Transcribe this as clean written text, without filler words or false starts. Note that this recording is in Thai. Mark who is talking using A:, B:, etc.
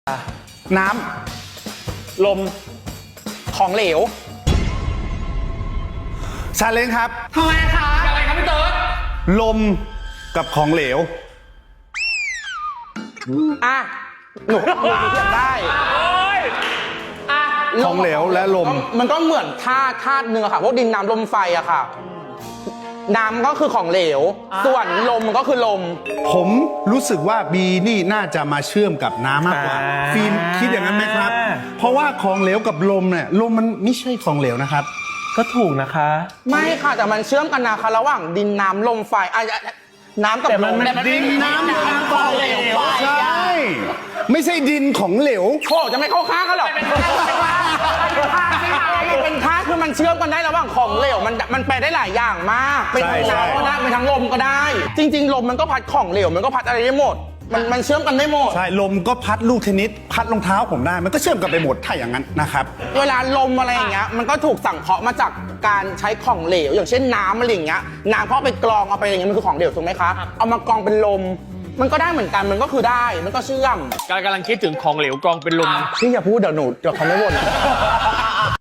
A: น้ำลมของเหลวชาเลนจ์ครับ
B: ทำไมคะอะไรครับพี่เติร์ด
A: ลมกับของเหลว
C: อ่ะหนูเทียบได้
A: ของเหลวและลม
C: มันก็เหมือนธาตุหนึ่งอะค่ะพวกดินน้ำลมไฟอะค่ะน้ำก็คือของเหลวส่วนลมมันก็คือลม
A: ผมรู้สึกว่าบีนี่น่าจะมาเชื่อมกับน้ำมากกว่าฟิล์มคิดอย่างนั้นไหมครับ เพราะว่าของเหลวกับลมเนี่ยลมมันไม่ใช่ของเหลวนะครับ
D: ก็ถูกนะคะ
C: ไม่ค่ะแต่มันเชื่อมกันนะคะระหว่างดินน้ำลมไฟน้ำกับลม
A: ดินน้ำลมไฟใช่ไม่ใช่ดินของเหลว
C: โอ้จะไม่เข้าข้างกันหรอกเป็นธาตุคือมันเชื่อมกันได้ระหว่างของเหลวมันไปได้หลายอย่างมากเป็นทั้งน้ำก็ได้เป็นทั้งลมก็ได้จริงๆลมมันก็พัดของเหลวมันก็พัดอะไรได้หมดมันเชื่อมกันได้หมด
A: ใช่ลมก็พัดลูกเทนนิสพัดรองเท้าผมได้มันก็เชื่อมกันไปหมดถ้าอย่างนั้นนะครับ
C: เวลาลมอะไรอย่างเงี้ยมันก็ถูกสังเคราะห์มาจากการใช้ของเหลวอย่างเช่นน้ำอะไรอย่างเงี้ยน้ำเพราะไปกรองเอาไปอย่างเงี้ยมันคือของเหลวถูกไหมคะเอามากรองเป็นลมมันก็ได้เหมือนกันมันก็คือได้มันก็เชื่อม
B: กำลังคิดถึงของเหลวกรองเป็นลม
C: พี่อย่าพูดเดี๋ยวเขาไม่บ่น